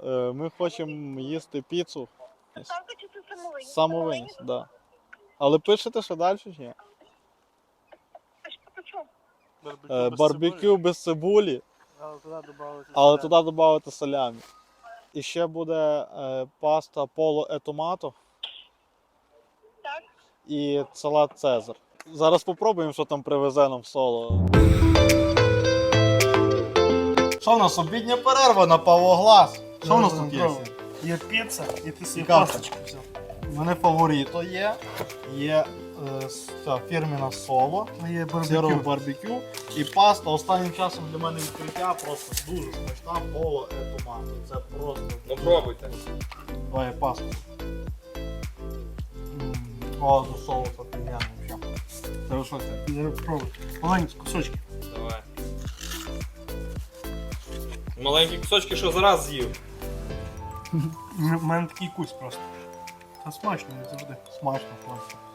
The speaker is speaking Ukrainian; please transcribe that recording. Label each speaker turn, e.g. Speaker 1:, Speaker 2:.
Speaker 1: Ми хочемо їсти піцу.
Speaker 2: Доставка чи це самовиніс?
Speaker 1: Самовиніс, так. Да. Але пишете ще далі чи ні?
Speaker 2: А що по чому?
Speaker 1: Барбекю без цибулі, але туди додати салямі. І ще буде паста поло e томато
Speaker 2: Так.
Speaker 1: і салат Цезар. Зараз спробуємо, що там привезе нам соло. Що в нас, обідня перерва на Павлоглас? Що в нас тут є?
Speaker 3: Є піца і ти собі
Speaker 1: Цікаво.
Speaker 3: пасочку взяв.
Speaker 1: У мене фаворито є фірміна соло,
Speaker 3: Є
Speaker 1: сирово
Speaker 3: барбекю.
Speaker 1: барбекю і паста. Останнім часом для мене відкриття просто дуже смачна поло e томато. Це просто...
Speaker 4: Ну пробуйте.
Speaker 1: Давай пасту. О, до соусу офігенно взагалі. Це що це?
Speaker 3: Зараз пробуй. Маленькі кусочки.
Speaker 4: Давай. Маленькі кусочки, що зараз з'їв.
Speaker 3: У мене такий кусь просто. Та смачно, не завжди.
Speaker 1: Смачно, смачно.